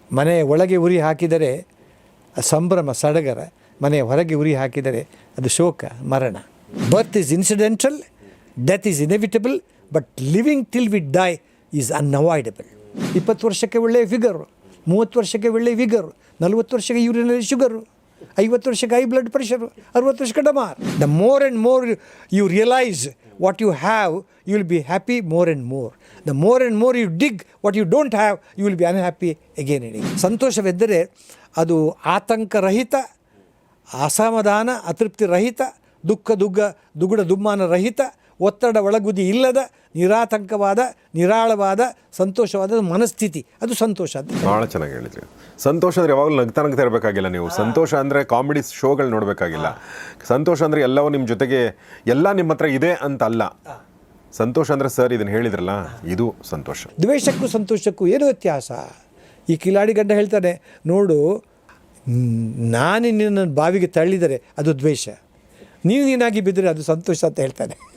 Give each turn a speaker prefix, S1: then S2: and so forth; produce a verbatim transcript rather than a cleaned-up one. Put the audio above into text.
S1: ಮನೆಯ ಒಳಗೆ ಉರಿ ಹಾಕಿದರೆ ಸಂಭ್ರಮ ಸಡಗರ, ಮನೆಯ ಹೊರಗೆ ಉರಿ ಹಾಕಿದರೆ ಅದು ಶೋಕ ಮರಣ. Birth is incidental, death is inevitable, but living till we die is unavoidable. ಇಪ್ಪತ್ತು ವರ್ಷಕ್ಕೆ ಒಳ್ಳೆಯ ಫಿಗರು, ಮೂವತ್ತು ವರ್ಷಕ್ಕೆ ಒಳ್ಳೆಯ ಫಿಗರು, ನಲ್ವತ್ತು ವರ್ಷಕ್ಕೆ ಯೂರಿನರಿ ಶುಗರು, ಐವತ್ತು ವರ್ಷಕ್ಕೆ ಹೈ ಬ್ಲಡ್ ಪ್ರೆಷರು, ಅರುವತ್ತು ವರ್ಷಕ್ಕೆ ಡಮಾರ್. The more and more you realise what you have, you will be happy more and more. The more and more you dig what you don't have, you will be unhappy again and again. ಸಂತೋಷವೆಂದರೆ ಅದು ಆತಂಕರಹಿತ, ಅಸಮಾಧಾನ ಅತೃಪ್ತಿ ರಹಿತ, ದುಃಖ ದುಗ್ಗ ದುಗುಡ ದುಮ್ಮಾನ ರಹಿತ, ಒತ್ತಡ ಒಳಗುದಿ ಇಲ್ಲದ ನಿರಾತಂಕವಾದ ನಿರಾಳವಾದ ಸಂತೋಷವಾದ ಮನಸ್ಥಿತಿ, ಅದು ಸಂತೋಷ ಅಂತ.
S2: ಭಾಳ ಚೆನ್ನಾಗಿ ಹೇಳಿದ್ರಿ. ಸಂತೋಷ ಅಂದರೆ ಯಾವಾಗಲೂ ನಗ್ತಾ ನಗ್ತಾ ಇರಬೇಕಾಗಿಲ್ಲ ನೀವು. ಸಂತೋಷ ಅಂದರೆ ಕಾಮಿಡಿ ಶೋಗಳು ನೋಡಬೇಕಾಗಿಲ್ಲ. ಸಂತೋಷ ಅಂದರೆ ಎಲ್ಲವೂ ನಿಮ್ಮ ಜೊತೆಗೆ ಎಲ್ಲ ನಿಮ್ಮ ಹತ್ರ ಇದೆ ಅಂತ ಅಲ್ಲ. ಸಂತೋಷ ಅಂದರೆ ಸರ್ ಇದನ್ನು ಹೇಳಿದ್ರಲ್ಲ, ಇದು ಸಂತೋಷ.
S1: ದ್ವೇಷಕ್ಕೂ ಸಂತೋಷಕ್ಕೂ ಏನು ವ್ಯತ್ಯಾಸ? ಈ ಕಿಲಾಡಿ ಗಂಡ ಹೇಳ್ತಾನೆ, ನೋಡು ನಾನು ನಿನ್ನ ಬಾವಿಗೆ ತಳ್ಳಿದರೆ ಅದು ದ್ವೇಷ, ನೀವು ನೀನಾಗಿ ಬಿದ್ದರೆ ಅದು ಸಂತೋಷ ಅಂತ ಹೇಳ್ತಾನೆ.